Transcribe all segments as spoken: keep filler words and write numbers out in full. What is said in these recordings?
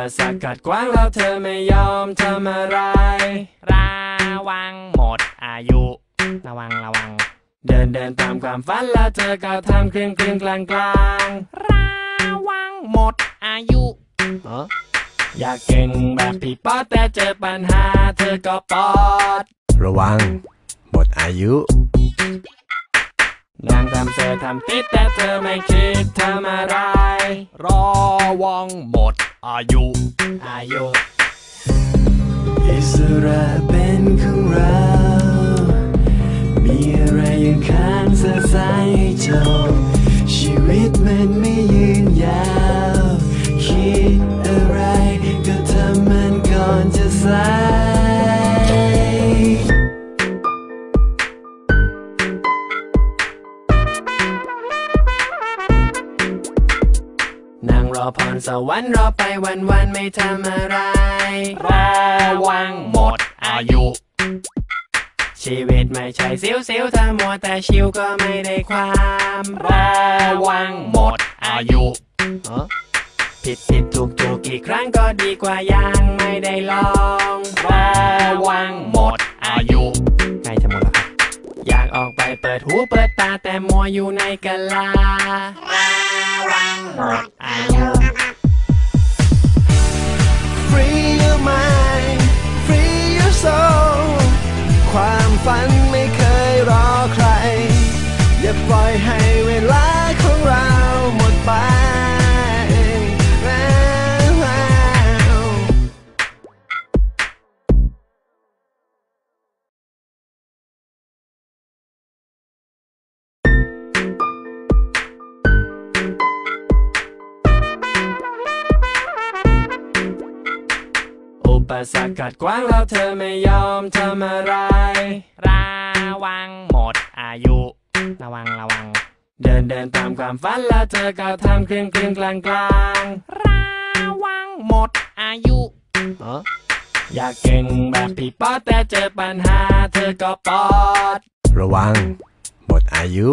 สรรคกัดขวางแล้วเธอไม่ยอมทำอะไรระวังหมดอายุระวังระวังเดินเดินตามความฝันแล้วเธอก็ทำครึ่งครึ่งกลางกลางระวังหมดอายุอยากเก่งแบบพี่ป๊อดแต่เจอปัญหาเธอก็ปอดระวังหมดอายุนางทำเสือทำติดแต่เธอไม่คิดทำอะไรระวังหมดอายุอายุอิสระเป็นของเรามีอะไรยังค้างสะสายให้จบชีวิตมันไม่ยืนยาวคิดอะไรก็ทำมันก่อนจะสายนั่งรอพรสวรรค์รอไปวันวันไม่ทำอะไรระวังหมดอายุชีวิตไม่ใช่ซิวซิวถ้ามัวแต่ชิวก็ไม่ได้ความระวังหมดอายุผิดผิดถูกถูกกี่ครั้งก็ดีกว่ายังไม่ได้ลองระวังหมดอายุใกล้จะหมดแล้วอยากออกไปเปิดหูเปิดตาแต่มัวอยู่ในกะลาระวังหมดอายุ Free your mind Free your soul ความฝันไม่เคยรอใครอย่าปล่อยให้เวลาของเราหมดไปอุปสรรคกัดขวางแล้วเธอไม่ยอมทำอะไรระวังหมดอายุระวังระวังเดินเดินตามความฝันแล้วเธอก็ทำครึ่งครึ่งกลางกลางระวังหมดอายุอยากเก่งแบบพี่ป๊อดแต่เจอปัญหาเธอก็ปอดระวังหมดอายุ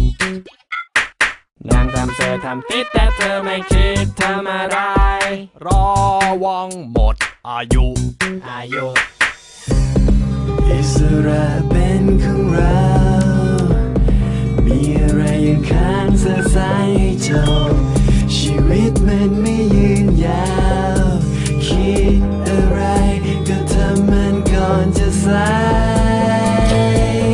นางทำเสือทำติดแต่เธอไม่คิดทำอะไรระวังหมดอายุอายุอิสระเป็นของเรามีอะไรยังค้างสะสายให้จบชีวิตมันไม่ยืนยาวคิดอะไรก็ทำมันก่อนจะสาย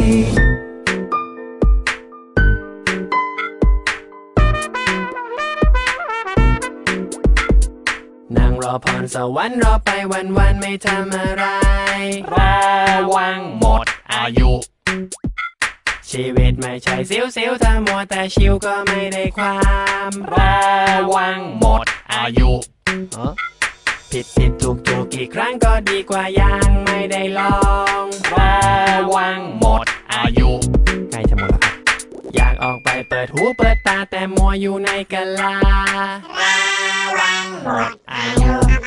นั่งรอพรสวรรค์รอไปวันวันไม่ทำอะไรระวังหมดอายุชีวิตไม่ใช่ซิวซิวถ้ามัวแต่ชิวก็ไม่ได้ความระวังหมดอายุผิดผิดถูกถูกกี่ครั้งก็ดีกว่ายังไม่ได้ลองระวังหมดอายุใกล้จะหมดแล้วอยากออกไปเปิดหูเปิดตาแต่มัวอยู่ในกะลาระวังหมดอายุ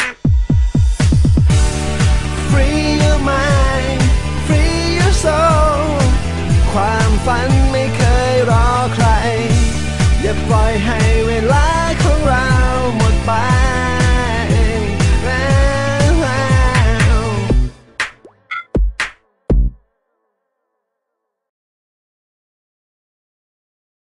Free your mind Free your soul ความฝันไม่เคยรอใครอย่าปล่อยให้เวลาของเราหมดไป